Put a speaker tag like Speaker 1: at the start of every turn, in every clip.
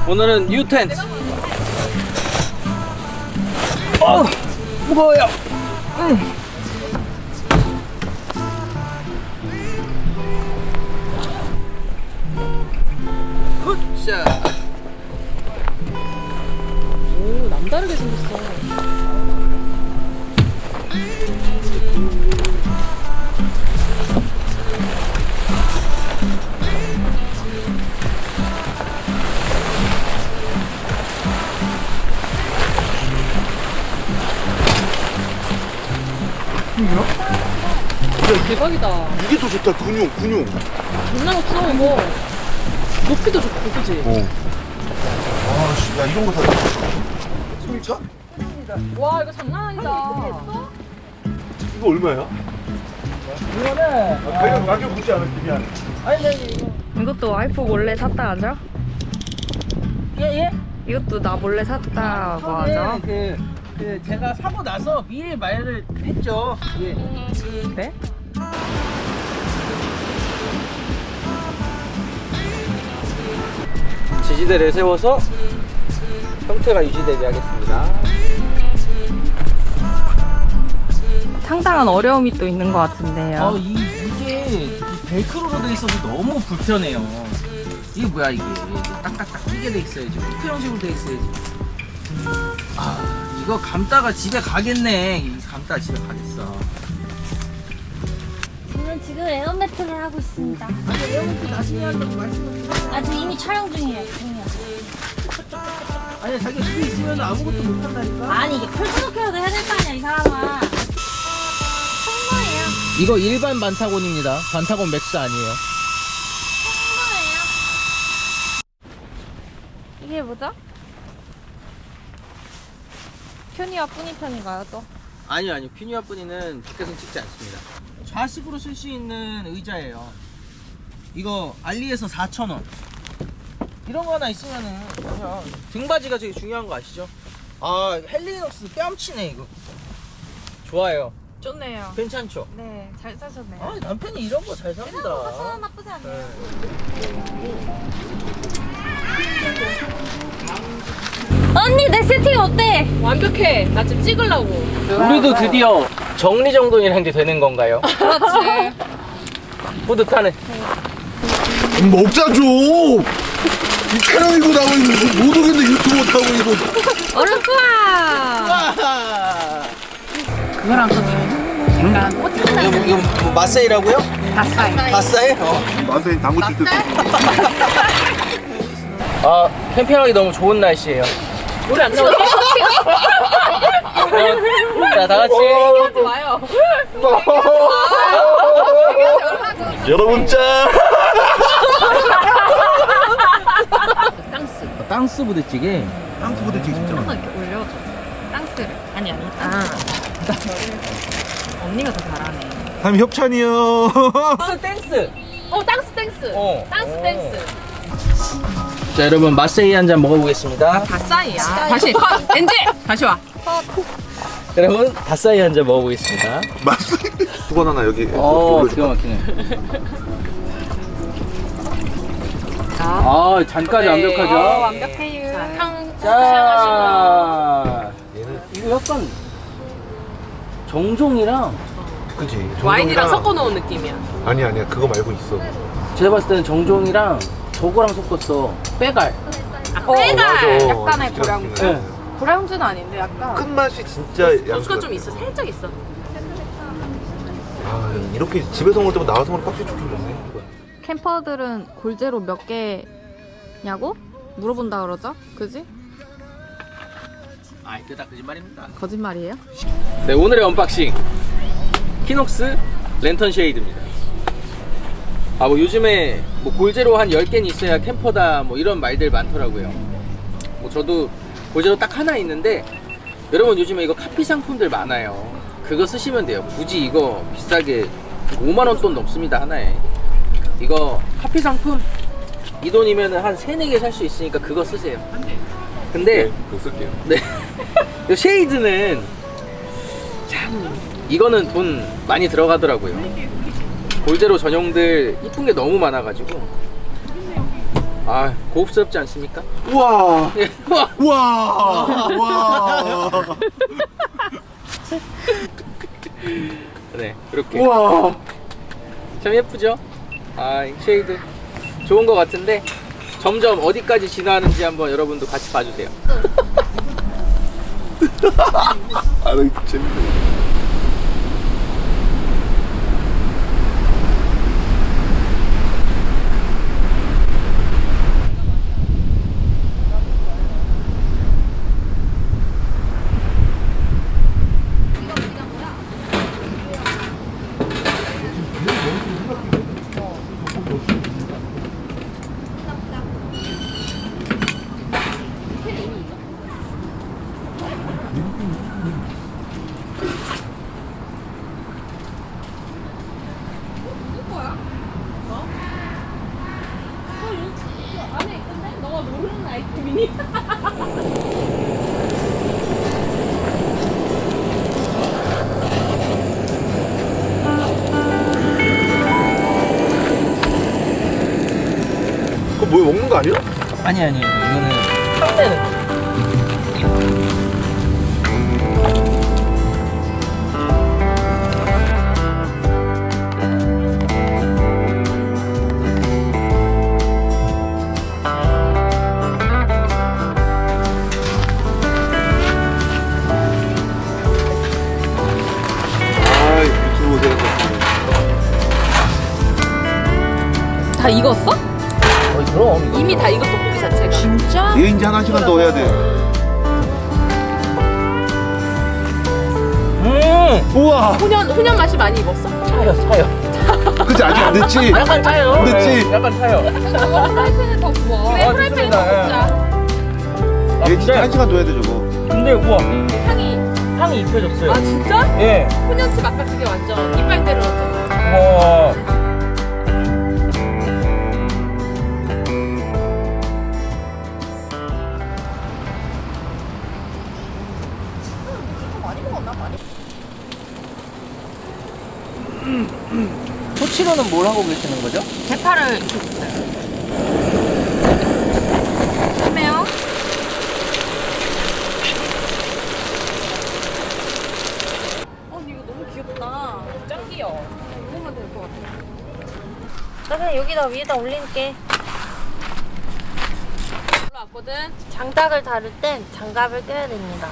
Speaker 1: 오늘은 뉴 텐트. 무거워요. 굿샷.
Speaker 2: 오, 남다르게 생겼어. 대박이다.
Speaker 3: 이게 더 좋다. 근육.
Speaker 2: 장난 없어 이거. 높이도 좋고 그치?
Speaker 3: 아씨, 야 이런 거 다. 진짜?
Speaker 2: 와 이거 장난 아니다.
Speaker 3: 이거 얼마야?
Speaker 1: 이거는
Speaker 3: 가격 묻지 않을게 미안.
Speaker 4: 이것도 와이프 몰래 샀다 하죠?
Speaker 1: 예?
Speaker 4: 이것도 나 몰래 샀다고 하죠?
Speaker 1: 그 제가 사고 나서 미리 말을 했죠. 예.
Speaker 4: 네?
Speaker 1: 지지대를 세워서 형태가 유지되게 하겠습니다.
Speaker 4: 상당한 어려움이 또 있는 것 같은데요.
Speaker 1: 이게 이 벨크로로 돼 있어서 너무 불편해요. 이게 뭐야 이게 딱딱딱 끼게 돼 있어야지. 후크 형식으로 돼 있어야지. 아 이거 감다가 집에 가겠네. 감다가 집에 가겠어.
Speaker 5: 저는 지금 에어매트를 하고 있습니다.
Speaker 1: 아니 에어컨 나중에 한다고 말씀을.
Speaker 5: 아직 이미 촬영 중이에요.
Speaker 1: 아니 자기 집에 있으면 아무것도 못 한다니까.
Speaker 5: 아니 이게 펼쳐놓기라도 해야 될 거 아니야 이 사람아. 청소예요.
Speaker 1: 이거 일반 반타곤입니다. 반타곤 맥스 아니에요.
Speaker 5: 청소예요.
Speaker 4: 이게 뭐죠? 큐니와 뿌니편인가요 또?
Speaker 1: 아니요. 퓨니와 뿌니는 밖에서 찍지 않습니다. 좌식으로 쓸 수 있는 의자예요. 이거 알리에서 4,000원. 이런 거 하나 있으면은 그냥 등받이가 되게 중요한 거 아시죠? 아 헬리녹스 뺨치네 이거. 좋아요.
Speaker 4: 좋네요.
Speaker 1: 괜찮죠?
Speaker 4: 네, 잘 사셨네요.
Speaker 1: 아 남편이 이런 거 잘 삽니다.
Speaker 5: 사서 나쁘지 않네요. 언니 내 세팅 어때?
Speaker 2: 완벽해. 나 지금 찍으려고.
Speaker 1: 우리도 드디어 정리정돈이라는 게 되는 건가요?
Speaker 2: 그렇지.
Speaker 1: 뿌듯하네.
Speaker 3: 먹자 좀. 이 촬영이고 나면 이거 못 오겠네 유튜브 못하고 이거.
Speaker 4: 얼른 뿌아!
Speaker 1: 와!
Speaker 4: 그거랑 또 약간
Speaker 1: 이거 뭐 마세이라고요?
Speaker 4: 다싸이.
Speaker 1: 바싸이?
Speaker 3: 맛에 당구 칠 때.
Speaker 1: 아 캠핑하기 너무 좋은 날씨예요.
Speaker 2: 노래 안 나오게?
Speaker 1: 자, 다 같이.
Speaker 2: 하지 마요.
Speaker 3: 여러분 짠.
Speaker 2: 땅스.
Speaker 1: 땅스 부대찌개.
Speaker 3: 땅스 부대찌개 진짜.
Speaker 4: 한번 이렇게 올려줘. 땅스를. 아니. 언니가 더 잘하네.
Speaker 3: 다음 협찬이요.
Speaker 1: 땅스 땡스.
Speaker 2: 땡스.
Speaker 1: 어.
Speaker 2: 땅스 땡스.
Speaker 1: 자, 여러분 마세이 한 잔 먹어보겠습니다.
Speaker 2: 다싸이야. 다시 컷. 엔지. 다시 와.
Speaker 1: 여러분 다싸이 한 잔 먹어보겠습니다.
Speaker 3: 맛있어. 수건 하나 여기.
Speaker 1: 기가
Speaker 3: 올려줄까?
Speaker 1: 막히네. 아, 잔까지 완벽하죠?
Speaker 4: 완벽해요.
Speaker 1: 자, 이거 약간 정종이랑
Speaker 3: 그지.
Speaker 2: 와인이랑 섞어놓은 느낌이야.
Speaker 3: 아니야 그거 말고 있어.
Speaker 1: 제가 봤을 때는 정종이랑 저거랑 섞었어. 빼갈.
Speaker 3: 맞아.
Speaker 4: 약간의
Speaker 3: 진짜
Speaker 4: 고량주.
Speaker 1: 네.
Speaker 4: 고량주는 아닌데 약간.
Speaker 3: 큰 맛이 진짜
Speaker 2: 도수가 좀 있어. 살짝 있어.
Speaker 3: 아 이렇게 집에서 먹을 때보다 나와서 먹으면 확실히 좋긴 좋네.
Speaker 4: 캠퍼들은 골제로 몇 개냐고 물어본다 그러죠? 그지?
Speaker 1: 아, 이거 다 거짓말입니다.
Speaker 4: 거짓말이에요?
Speaker 1: 네, 오늘의 언박싱 키녹스 랜턴 쉐이드입니다. 아, 뭐 요즘에 뭐 골제로 한 10개는 있어야 캠퍼다 뭐 이런 말들 많더라고요. 뭐 저도 골제로 딱 하나 있는데, 여러분 요즘에 이거 카피 상품들 많아요. 그거 쓰시면 돼요. 굳이 이거 비싸게 5만원 돈 넘습니다 하나에. 이거 카피 상품 이 돈이면 한 3, 4개 살 수 있으니까 그거 쓰세요. 근데
Speaker 3: 그거 쓸게요.
Speaker 1: 네. 이 쉐이드는 참 이거는 돈 많이 들어가더라고요. 골제로 전용들 이쁜 게 너무 많아가지고. 아, 고급스럽지 않습니까?
Speaker 3: 우와.
Speaker 1: 예.
Speaker 3: 우와. 우와.
Speaker 1: 네, 이렇게.
Speaker 3: 우와.
Speaker 1: 참 예쁘죠? 아, 이 쉐이드 좋은 것 같은데 점점 어디까지 진화하는지 한번 여러분도 같이 봐주세요.
Speaker 3: 아, 나 이거 재밌네.
Speaker 2: 안에 있던데? 너가 모르는 아이템이니?
Speaker 3: 그거 뭐 먹는 거 아니야?
Speaker 1: 아니 이거는 상대는
Speaker 3: 아, 유튜브 생각났네.
Speaker 2: 다 익었어?
Speaker 1: 그럼 이거.
Speaker 2: 이미 다 익었어 고기 자체가. 진짜?
Speaker 3: 얘 이제 1시간 더 해야 돼. 우와.
Speaker 2: 훈연 맛이 많이 익었어?
Speaker 1: 차요.
Speaker 3: 그치, 아직 안 됐지?
Speaker 1: 약간 차요.
Speaker 3: 안 됐지?
Speaker 1: 네, 약간 차요.
Speaker 2: 저거 프라이팬에 더 구워. 그래 프라이팬에
Speaker 1: 좋습니다.
Speaker 2: 더 굽자.
Speaker 3: 얘 진짜 1시간 더 해야 돼, 저거.
Speaker 1: 근데 우와,
Speaker 2: 향이.
Speaker 1: 입혀졌어요.
Speaker 2: 아 진짜?
Speaker 1: 예.
Speaker 2: 훈연칩 아까 그게 완전 이빨 때려놨잖아.
Speaker 1: 우와. 토치로는 뭘 하고 계시는 거죠?
Speaker 2: 대파를 익혔어요. 심해요? 언니 이거 너무 귀엽다. 짱 귀여워. 이거만 될 것 같아.
Speaker 5: 나 그냥 여기다 위에다 올릴게.
Speaker 2: 올라왔거든.
Speaker 5: 장닭을 다룰 땐 장갑을 껴야 됩니다.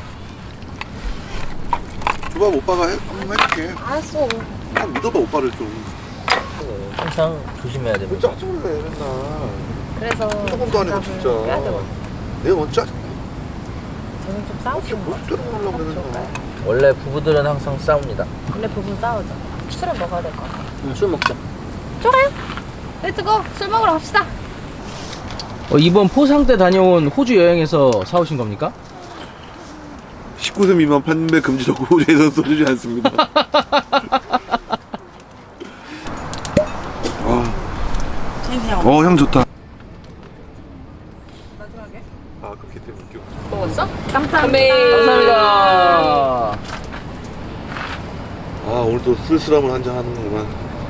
Speaker 3: 줘봐, 오빠가 한번 해줄게.
Speaker 5: 알았어.
Speaker 3: 한 믿어봐, 오빠를 좀.
Speaker 1: 항상 조심해야
Speaker 3: 왜 짜증을 내, 맨날.
Speaker 5: 그래서
Speaker 3: 조금도 안 해도
Speaker 5: 장갑을
Speaker 3: 진짜.
Speaker 5: 껴야 되거든.
Speaker 3: 내가 먼저 짜증.
Speaker 5: 저는 좀
Speaker 3: 어떻게
Speaker 5: 싸우시는 거
Speaker 3: 모습대로 하려고 그래, 맨날.
Speaker 1: 원래 부부들은 항상 싸웁니다.
Speaker 5: 원래 부분 싸우죠. 술은 먹어야 될 것 같아.
Speaker 1: 술 먹자.
Speaker 5: 좋아요. 렛츠고 술 먹으러 갑시다.
Speaker 1: 이번 포상 때 다녀온 호주 여행에서 사오신 겁니까?
Speaker 3: 19세 미만 판매 금지라고 호주에서 써주지 않습니다. 향 좋다.
Speaker 2: 마지막에.
Speaker 3: 아, 그렇기 때문에 웃겨.
Speaker 2: 먹었어?
Speaker 5: 감사합니다.
Speaker 1: 감사합니다.
Speaker 3: 아, 오늘 또 쓸쓸함을 한잔 하는구만.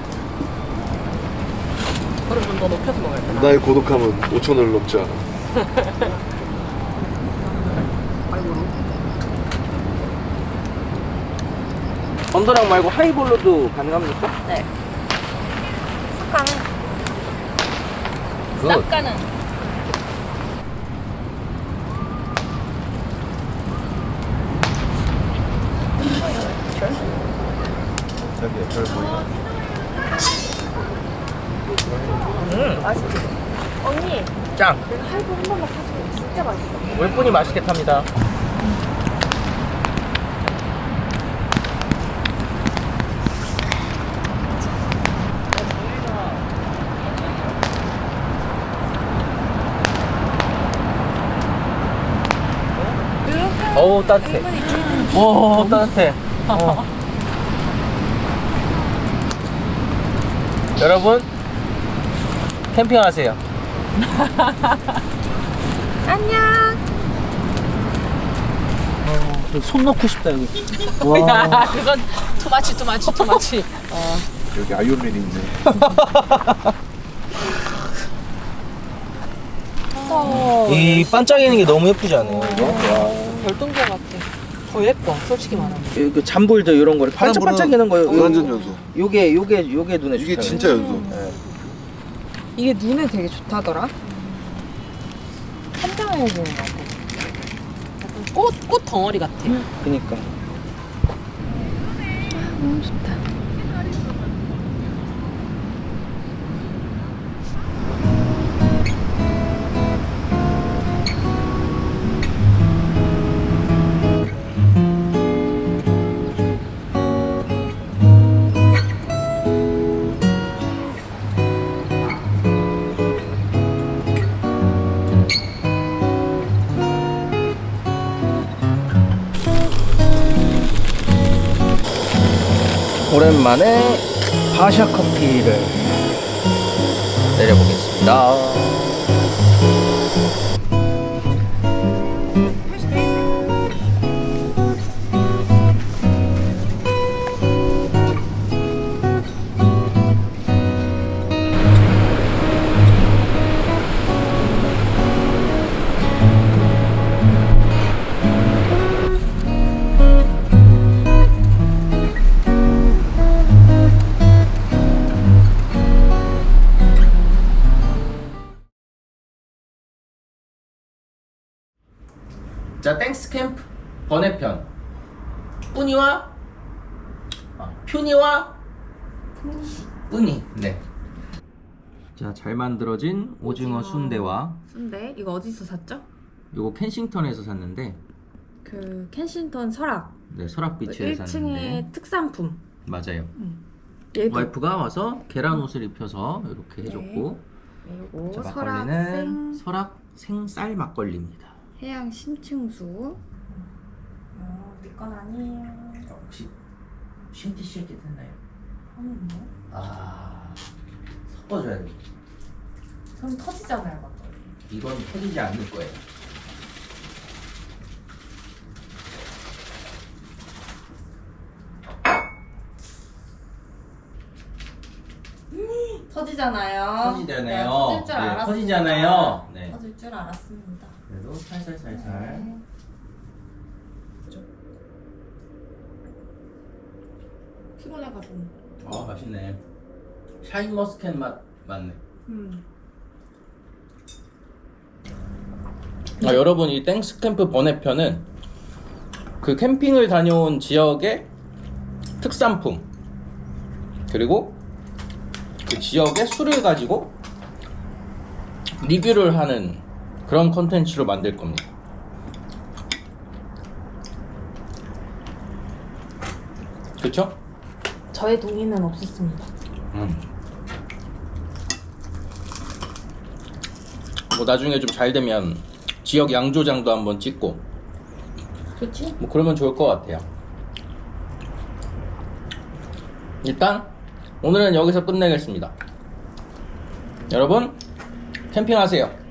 Speaker 2: 그럼 좀 더 높여서 먹어야 돼.
Speaker 3: 나의 고독함은 5,000원을 넘지 않아.
Speaker 1: 언더락 말고 하이볼로도 가능합니까?
Speaker 5: 네. 습관은
Speaker 2: 쌉가는.
Speaker 3: 자기야, 별 보이나?
Speaker 5: 맛있지? 언니
Speaker 1: 짱.
Speaker 5: 내가 하이볼 한 번만 사주면 진짜 맛있어.
Speaker 1: 웹분이 맛있게 탑니다. 어우 따뜻해. 오 따뜻해. 여러분 캠핑하세요.
Speaker 5: 안녕.
Speaker 1: 손 넣고 싶다 여기.
Speaker 2: 야 그건 투마치.
Speaker 3: 여기 아이언맨이 있네.
Speaker 1: 이 반짝이는 게 너무 예쁘지 않아요?
Speaker 2: 별똥별 같아. 더 예뻐, 솔직히 말하면.
Speaker 1: 그 잠볼드 이런 거를 반짝반짝이는 거.
Speaker 3: 완전 연소.
Speaker 1: 요게 눈에
Speaker 3: 이게
Speaker 1: 좋더라고요.
Speaker 3: 진짜 연소.
Speaker 2: 이게 눈에 되게 좋다더라. 한장해 보는 것 같아. 약간 꽃 덩어리 같아.
Speaker 1: 그니까.
Speaker 4: 너무 좋다.
Speaker 1: 오랜만에 바샤 커피를 내려보겠습니다. 자, 땡스 캠프 번외편. 퓨니와 뿌니. 네. 자, 잘 만들어진 오징어 순대와
Speaker 4: 순대 이거 어디서 샀죠?
Speaker 1: 요거 켄싱턴에서 샀는데,
Speaker 4: 그 켄싱턴 설악
Speaker 1: 네, 설악비치에서
Speaker 4: 1층의
Speaker 1: 샀는데
Speaker 4: 특산품.
Speaker 1: 맞아요.
Speaker 4: 얘도
Speaker 1: 와이프가 와서 계란 옷을 입혀서 이렇게 해줬고,
Speaker 4: 그리고
Speaker 1: 자,
Speaker 4: 설악
Speaker 1: 막걸리는 설악 생쌀 막걸리입니다.
Speaker 4: 해양 심층수. 내건 아니에요.
Speaker 1: 혹시 쉰티쉐이키 됐나요? 아, 섞어줘야 돼.
Speaker 4: 손 터지잖아요, 막걸리.
Speaker 1: 이건 터지지 않을 거예요.
Speaker 4: 터지잖아요.
Speaker 1: 터지잖아요.
Speaker 4: 네, 터질 줄
Speaker 1: 네,
Speaker 4: 알았습니다.
Speaker 1: 터지잖아요. 네.
Speaker 4: 터질 줄 알았습니다.
Speaker 1: 그래도 살살.
Speaker 4: 네. 피곤해가지고.
Speaker 1: 아, 맛있네. 샤인머스켓 맛 맞네. 여러분, 이 땡스 캠프 번외편은 그 캠핑을 다녀온 지역의 특산품, 그리고 그 지역의 술을 가지고 리뷰를 하는 그런 컨텐츠로 만들 겁니다. 그쵸?
Speaker 4: 저의 동의는 없었습니다.
Speaker 1: 뭐 나중에 좀 잘 되면 지역 양조장도 한번 찍고,
Speaker 4: 좋지?
Speaker 1: 뭐 그러면 좋을 것 같아요. 일단 오늘은 여기서 끝내겠습니다. 여러분, 캠핑하세요.